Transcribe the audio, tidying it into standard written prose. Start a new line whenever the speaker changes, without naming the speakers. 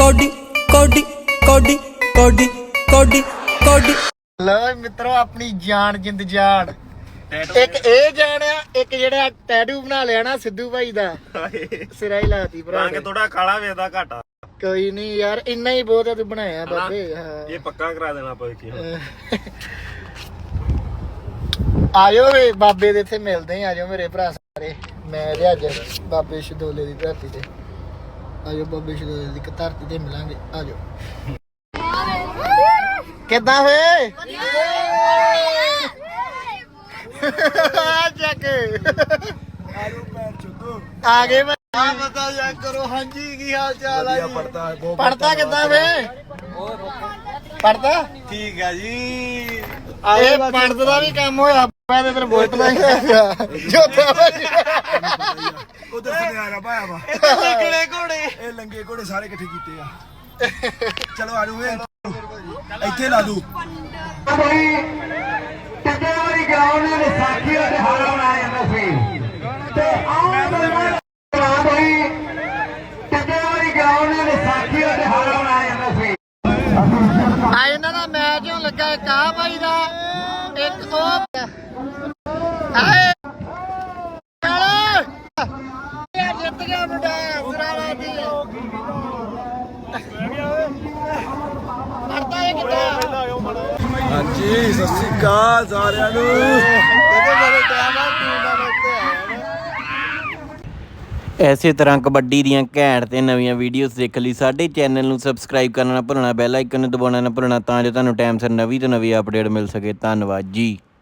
Cody ਕੋਡੀ ਕੋਡੀ ਕੋਡੀ ਕੋਡੀ ਕੋਡੀ।
ਲਓ ਮਿੱਤਰੋ ਆਪਣੀ ਜਾਨ ਜਿੰਦ ਜਾਨ ਇੱਕ ਇਹ ਜਾਨ ਆ, ਇੱਕ ਜਿਹੜਾ ਟੈਟੂ ਬਣਾ ਲਿਆ ਨਾ ਸਿੱਧੂ ਭਾਈ ਦਾ ਸਿਰਾ ਹੀ ਲਾਤੀ ਭਰਾ
ਰੰਗ ਥੋੜਾ ਕਾਲਾ ਵੇਦਾ ਘਾਟਾ।
ਕੋਈ ਨਹੀਂ ਯਾਰ ਇੰਨਾ ਹੀ ਬਹੁਤ ਆ ਤੂੰ ਬਣਾਇਆ ਬਾਬੇ। ਹਾਂ
ਇਹ ਪੱਕਾ ਕਰਾ ਦੇਣਾ ਆਪਾਂ ਕੀ।
ਆਜੋ ਵੇ ਬਾਬੇ ਦੇ ਇੱਥੇ ਮਿਲਦੇ ਆ, ਆਜੋ ਮੇਰੇ ਭਰਾ ਸਾਰੇ। ਮੈਂ ਤੇ ਅੱਜ ਬਾਬੇ ਸ਼ਦੋਲੇ ਦੀ ਧਰਤੀ ਤੇ, ਆਜੋ ਬਾਬੇ ਸ਼ਦੋਲੇ ਦੀ ਧਰਤੀ ਤੇ ਮਿਲਾਂਗੇ। ਆਜੋ ਕਿੱਦਾਂ ਵੇ ਚੱਕ ਆ ਗਏ। ਆ ਬਤਾ ਜਾ ਕਰੋ। ਹਾਂਜੀ ਕੀ ਹਾਲ ਚਾਲ ਆ ਜੀ? ਪੜਤਾ ਕਿੱਦਾਂ ਵੇ? ਪੜਤਾ
ਠੀਕ ਆ ਜੀ।
ਇਹ ਪੜਦ ਦਾ ਵੀ ਕੰਮ ਹੋਇਆ। ਮੈਂ ਤੇ ਤੈਨੂੰ ਬੋਲਦਾ ਹੀ ਹੈਗਾ ਜੋਤਾ ਭਾਈ
ਉਧਰ ਸੁਨਿਆਰਾ ਪਾਇਆ ਵਾ।
ਲੰਗੜੇ ਘੋੜੇ,
ਇਹ ਲੰਗੇ ਘੋੜੇ ਸਾਰੇ ਇਕੱਠੇ ਕੀਤੇ ਆ। ਚਲੋ ਆ ਜਾਓ ਇੱਥੇ ਲਾ ਦੂ।
ਟੱਕੇ ਵਾਲੀ ਗਰਾਊਂਡ ਦੇ ਵਿਸਾਖੀ ਦਾ ਦਿਹਾੜਾ ਮਨਾਇਆ ਜਾਂਦਾ ਸੀ ਤੇ ਆਹ ਬਈ ਟੱਕੇ ਵਾਲੀ ਗਰਾਊਂਡ ਦੇ ਵਿਸਾਖੀ ਦਾ ਦਿਹਾੜਾ ਮਨਾਇਆ ਜਾਂਦਾ ਸੀ।
ਆ ਇਹਨਾਂ ਦਾ ਮੈਚ ਹੋਣ ਲੱਗਾ। ਇੱਕ ਆ ਭਾਈ ਦਾ, ਇੱਕ ਉਹ ਹਾਏ ਚੱਲ ਜਿੱਤ ਗਿਆ ਮੁੰਡਾ ਜ਼ਰਾਵਾ ਦੀ। ਪੜਦਾ ਇਹ ਕਿੱਦਾਂ?
ਹਾਂਜੀ ਸਤਿ ਸ਼੍ਰੀ ਅਕਾਲ ਸਾਰਿਆਂ ਨੂੰ।
ਇਹਦੇ ਬੜੇ ਟਾਈਮ ਆ ਟੀਮ ਦਾ ਉੱਤੇ ਆਇਆ ਨਾ।
ਐਸੇ ਤਰ੍ਹਾਂ ਕਬੱਡੀ ਦੀਆਂ ਘੈਂਟ ਤੇ ਨਵੀਆਂ ਵੀਡੀਓਜ਼ ਦੇਖਣ ਲਈ ਸਾਡੇ ਚੈਨਲ ਨੂੰ ਸਬਸਕ੍ਰਾਈਬ ਕਰਨਾ ਨਾ ਭੁੱਲਣਾ, ਬੈਲ ਆਈਕਨ ਨੂੰ ਦਬਾਉਣਾ ਨਾ ਭੁੱਲਣਾ ਤਾਂ ਜੋ ਤੁਹਾਨੂੰ ਟਾਈਮ ਸਿਰ ਨਵੀਂ ਤੋਂ ਨਵੀਂ ਅਪਡੇਟ ਮਿਲ ਸਕੇ। ਧੰਨਵਾਦ ਜੀ।